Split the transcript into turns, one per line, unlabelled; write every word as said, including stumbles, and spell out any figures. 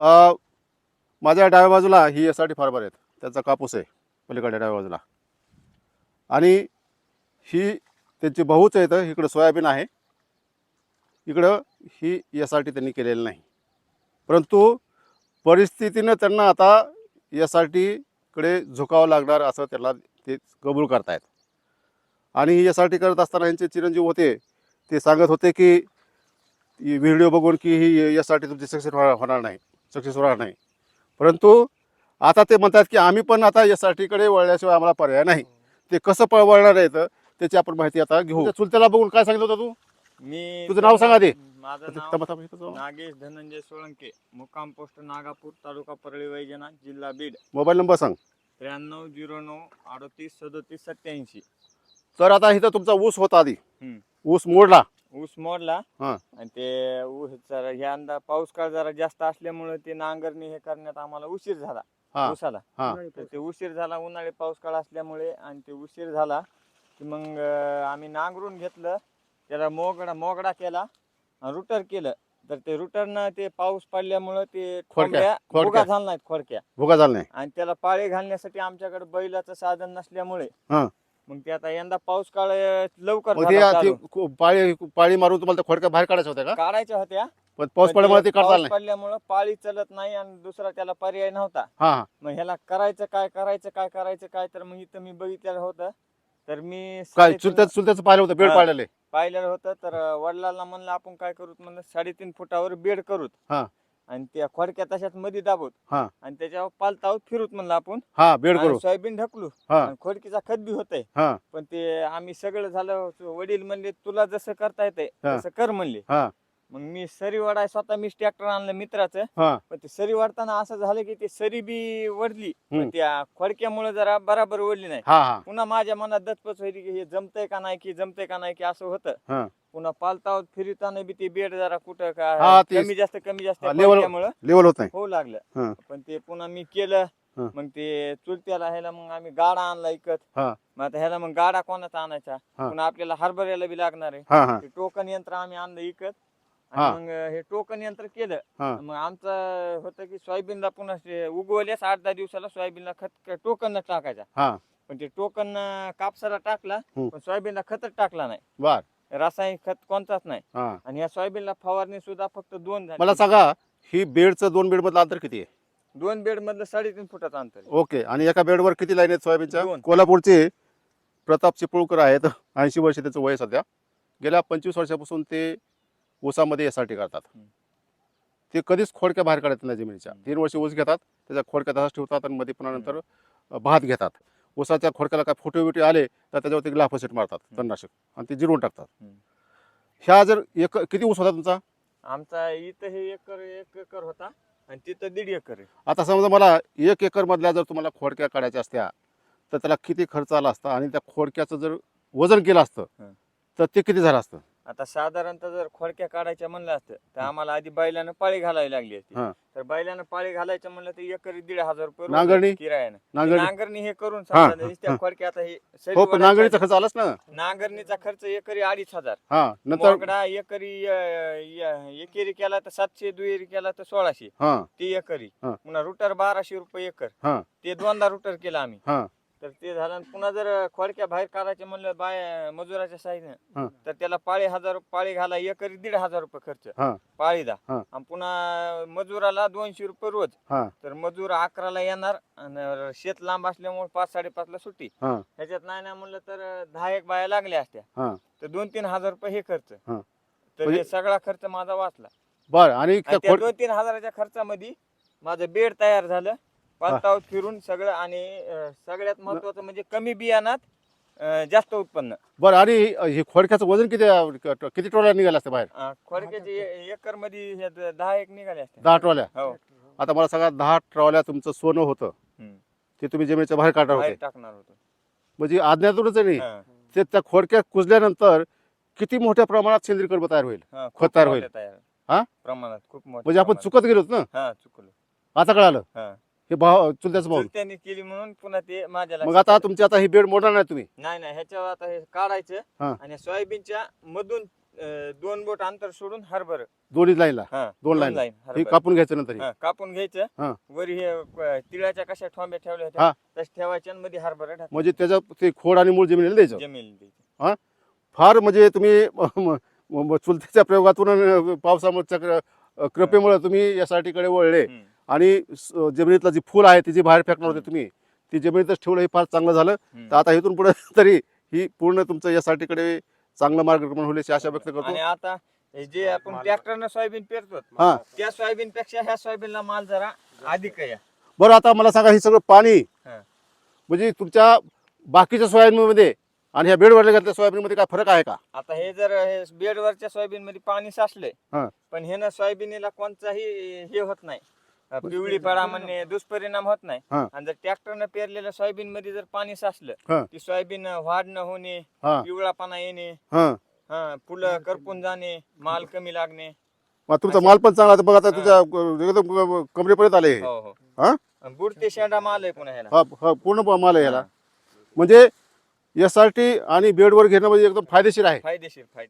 अ, माझ्या डाव्या बाजूला ही एस आर टी फार्मर आहेत, त्याचा कापूस आहे पलीकडे डाव्या बाजूला, आणि ही त्यांची बहुच आहे. तर इकडं सोयाबीन आहे, इकडं ही एस आर टी त्यांनी केलेली नाही. परंतु परिस्थितीनं त्यांना आता एस आर टीकडे झुकावं लागणार असं त्याला ते कबूल करतायत. आणि ही एस आर टी करत असताना यांचे चिरंजीव होते, ते सांगत होते की व्हिडिओ बघून की ही एस आर टी तुमची सक्सेस होणार नाही, सक्सेस होणार नाही. परंतु आता ते म्हणतात की आम्ही पण आता एस आर टीकडे वळल्याशिवाय आम्हाला पर्याय नाही. ते कसं पळ वळणार आहे तर त्याची आपण माहिती आता घेऊ. चुलत्याला बघून काय सांगितलं होतं तू?
मी
तुझं नाव सांगा ते.
माझं
थांबा,
नाव
थांबा, इथं जाऊ.
नागेश धनंजय सोळंके, मुक्काम पोस्ट नागापूर, तालुका परळी वैजनाथ, जिल्हा बीड.
मोबाईल नंबर सांग.
त्र्याण्णव झिरो नऊ अडतीस सदोतीस सत्याऐंशी.
तर आता इथं तुमचा ऊस होता आधी,
हम्म.
ऊस मोडला.
ऊस मोडला
हां
आणि ते ऊस जरा यंदा पाऊस काळ जरा जास्त असल्यामुळे ते नांगरणी हे करण्यात आम्हाला उशीर झाला
हां
ऊसाला.
हां
तर ते उशीर झाला उन्हाळी पाऊस काळ असल्यामुळे, आणि ते उशीर झाला की मग अं, आम्ही नांगरून घेतलं, त्याला मोगडा मोगडा केला, रुटर केलं. तर ते रुटरनं ते पाऊस पडल्यामुळं ते खोडक्या
खोडक्या.
भुगा झाला नाहीत खोडक्या,
भुगा झाला नाही.
आणि त्याला पाळी घालण्यासाठी आमच्याकडे बैलाचं साधन नसल्यामुळे
हां
मग ते आता यंदा पाऊस काळ अं, लवकर
मग ते
झाला
ती
चालू.
खू- पाळी पाळी मारून तुम्हाला त्या खोडक्या बाहेर काढायच्या होत्या का?
काढायच्या होत्या,
पण पाऊस
पण
पडल्यामुळे
ते
ते काढता
पाऊस
आलं नाही.
पडल्यामुळं पाळी चलत नाही आणि दुसरा त्याला पर्याय नव्हता.
हां हां
मग ह्याला करायचं काय करायचं काय करायचं काय तर मग इथं मी बघितलेलं होतं. तर मी
काय
साडेतीन
चुलत्याचं चुलत्याचं पाहिलं होतं, बेड
हां.
पाडलेले.
पाहिलेलं होतं. तर वडिलांना म्हणलं आपण काय करूत, म्हणलं साडेतीन फुटावर बेड करूत
हां
आणि त्या खोडक्या तशाच मध्ये दाबूत
हां
आणि त्याच्यावर पालतावर फिरूत म्हणलं आपण,
हां बेड
आणि
करू.
सोयाबीन ढकलू
हां
आणि खोडकीचा खत बी होतंय.
हां
पण ते आम्ही सगळं झालं, वडील म्हणले तुला जसं करता येतंय
हां.
तसं कर म्हणले.
हां
मग मी सरी वाढाय स्वतः मीच ट्रॅक्टर आणलं मित्राचं.
हां
पण ते सरी वाढताना असं झालं की ते सरी बी वडली,
हम्म.
पण त्या खोडक्यामुळे जरा बराबर वडली नाही.
हां हां
पुन्हा माझ्या मनात दचपच व्हायची की हे जमतंय का नाही की जमतंय का नाही की असं होतं.
हां
पुन्हा पालतावर फिरताना बी ते बेड जरा कुठं
हा,
का
ते-
कमी जास्त कमी जास्त
हा, लेवल
खोडक्यामुळं
लेवल होत नाही.
होऊ लागलं.
हां
पण ते पुन्हा मी केलं.
हां.
मग ते चुलत्याला ह्याला मग आम्ही गाडा आणला इकत.
हां
मग आता ह्याला मग गाडा कोणाचा आणायचा,
हां.
पुन्हा आपल्याला हरभऱ्याला बी लागणार आहे.
हां हां
ते टोकन यंत्र आम्ही आणलं इकत,
हां.
आणि मग हे टोकन यंत्र केलं.
हां
मग आमचं होतं की सोयाबीनला पुन्हा ते उगवल्यास आठ दहा दिवसाला सोयाबीनला खत टोकन टाकायचा.
हां
पण ते टोकन कापसाला टाकला,
हम्म.
पण सोयाबीनला खतच टाकला नाही,
बर
रासायनिक खत कोणताच नाही.
हां.
आणि या सोयाबीनला फवारणी सुद्धा फक्त दोन झाली.
मला सांगा, ही बेडचं दोन बेड मधलं अंतर किती आहे?
दोन बेड मधलं साडेतीन फुटाचं अंतर आहे.
ओके. आणि एका बेडवर किती लाईन आहेत सोयाबीनच्या?
दोन.
कोल्हापूरचे प्रताप चिपळूकर आहेत, ऐंशी वर्ष त्याचं वय सध्या. गेल्या पंचवीस वर्षापासून ते ऊसामध्ये एस आर टी करतात.
हम्म.
ते कधीच खोडक्या बाहेर काढत नाही जमिनीच्या. तीन वर्ष ऊस घेतात, त्याच्या खोडक्या तसाच ठेवतात आणि मध्ये पुन्हा नंतर भात घेतात. ऊसाच्या खोडक्याला काय फोटो बिटो आले तर त्याच्यावरती ग्लाफोसेट मारतात, तणनाशक, आणि ते जिरवून टाकतात.
हम्म.
ह्या जर एक किती ऊस होता तुमचा?
आमचा इथं हे एकर एक एकर होता आणि तिथं दीड एकर आहे.
आता समजा मला एक एकर मधल्या जर तुम्हाला खोडक्या काढायच्या असत्या तर त्याला किती खर्च आला असता, आणि त्या खोडक्याचं जर वजन केलं असतं
हं.
तर ते किती झालं असतं?
आता साधारणतः जर खोडक्या काढायच्या म्हणलं असतं तर आम्हाला आधी बैलानं पाळी घालावी लागली असती.
हां.
तर बैलानं पाळी घालायचं म्हणलं तर एकरी दीड हजार रुपये रोज
नांगरणी?
किरायानं.
नांगरणी?
नांगरणी हे करून
हां,
समजा
हां,
त्या
हां.
खोडक्या आता हे सरी
हो, पण
वडायच्या
नांगरणीचा खर्च आलाच ना.
आधी नांगरणीचा खर्च एकरी अडीच हजार.
हा नंतर
मोगडा एकरी अं, य- एकेरी केला तर सातशे, दुहेरी केला तर सोळाशे,
हा
ती एकरी.
हां.
पुन्हा रुटर बाराशे रुपये एकर,
हा
ते दोनदा रुटर केला आम्ही.
हा
तर ते झालं आणि पुन्हा जर खोडक्या बाहेर काढायचे म्हणलं बाय मजुराच्या
हां.
साईडनं, तर त्याला पाळी हजार पाळी घाला एकरी दीड हजार रुपये खर्च
हा
पाळीदा.
हां.
आणि पुन्हा मजुराला दोनशे रुपये रोज.
हा
तर मजूर अकराला येणार आणि शेत लांब असल्यामुळे पाच साडेपाचला सुट्टी.
हा
ह्याच्यात नाही ना म्हणलं तर दहा एक बाया लागल्या असत्या,
हा
तर दोन तीन हजार रुपये हे खर्च.
हां.
तर
म्हणजे-
हे सगळा खर्च माझा वाचला.
बर. आणि
आणि
त्या
त्या
खोड
दोन तीन हजाराच्या खर्चामध्ये माझं बेड तयार झालं, पालतावर फिरून सगळं. आणि अं, सगळ्यात महत्वाचं म्हणजे कमी बियाणात अं, जास्त उत्पन्न.
बर. आणि हे खोडक्याचं वजन किती किती ट्रॉल्या निघाल्या असत्या बाहेर?
अं, खोडक्याचे एकर मध्ये दहा एक निघाले असते.
दहा ट्रॉल्या.
हो.
आता मला सांगा, दहा ट्रॉल्या तुमचं सोनं होतं,
हम्म.
ते तुम्ही जमिनीच्या बाहेर काढणार
बाहेर
होते,
टाकणार होतो.
म्हणजे आज्ञातूनच आहे नाही.
हा.
ते त्या खोडक्या कुजल्यानंतर किती मोठ्या प्रमाणात सेंद्रिय खत तयार होईल,
हा,
खत
खूप
तयार
मोठ्या
होईल.
तयार
हा?
प्रमाणात खूप मोठ्या
म्हणजे आपण
प्रमाणात.
चुकत गेलोत ना.
हा, चुकलो.
आता कळालं.
हा.
हे भाव चुलत्याचं भाऊ.
चुलत्याने केली म्हणून पुन्हा ते माझ्या
मग
लक्षात
आता
आलं.
तुमची आता ही बेड मोडणार नाही तुम्ही?
नाही नाही ह्याच्यावर आता हे काढायचं
हा.
आणि सोयाबीनच्या मधून अं, दोन बोट अंतर सोडून हरभर
दोन्ही लाईनला
हा
दोन लाईन
लाईन
हे
हरभरा.
कापून घ्यायचं नंतर हे.
हा, कापून
हा.
घ्यायचं वर हे अं, तिळाच्या कशा ठोंब्या ठेवल्या
हा.
होत्या तस ठेवायच्या आणि मध्ये हरभरा टाकायचा.
म्हणजे त्याचं ते खोड आणि मूळ जमिनीला द्यायचं.
जमेल द्यायचं.
फार म्हणजे तुम्ही म- म- म- चुलतीच्या प्रयोगातून अं, पावसामुळे चक्र अं, कृपेमुळे तुम्ही एस आर टीकडे वळले
हम्म.
आणि स- जमिनीतलं जी फुल आहे ती जी बाहेर फेकणार होते तुम्ही ती जमिनीतच ठेवलं हे फार चांगलं झालं.
हम्म.
तर आता इथून पुढे तरी ही पूर्ण तुमचं एस आर टीकडे चांगलं मार्गक्रमण होईल अशी आशा व्यक्त करतो.
आणि आता हे जे आपण ट्रॅक्टरनं सोयाबीन पेरतो
हा.
त्या सोयाबीन पेक्षा ह्या सोयाबीनला माल जरा अधिक आहे.
बरं आता मला सांगा हे सगळं पाणी
हा.
म्हणजे तुमच्या बाकीच्या सोयाबीनमध्ये आणि ह्या बेडवरल्या घातल्या सोयाबीनमध्ये काय फरक आहे का?
आता हे जर हे बेडवरच्या सोयाबीन मध्ये पाणी साचलंय
हा.
पण हे ना सोयाबीनला कोणताही हे होत नाही अं, पिवळी पडा म्हणणे दुष्परिणाम होत नाही.
हा.
आणि जर ट्रॅक्टरनं पेरलेल्या सोयाबीन मध्ये जर पाणी साचलं
हा.
ती सोयाबीन वाढ न होणे
हा.
पिवळापणा येणे
हा.
हा फुलं करपून जाणे माल कमी लागणे.
मग तुमचा माल पण चांगला आहे. बघ आता
हा.
तुझ्या अं, एकदम कमरेपर्यंत आले हे.
हो हो
हा
आणि बुडते शेंडा माल आहे पुन्हा ह्याला.
हा हा, पूर्ण माल आहे ह्याला.
हा.
म्हणजे एस आर टी आणि बेडवर घेणं म्हणजे एकदम फायदेशीर आहे.
फायदेशीर फायदेशीर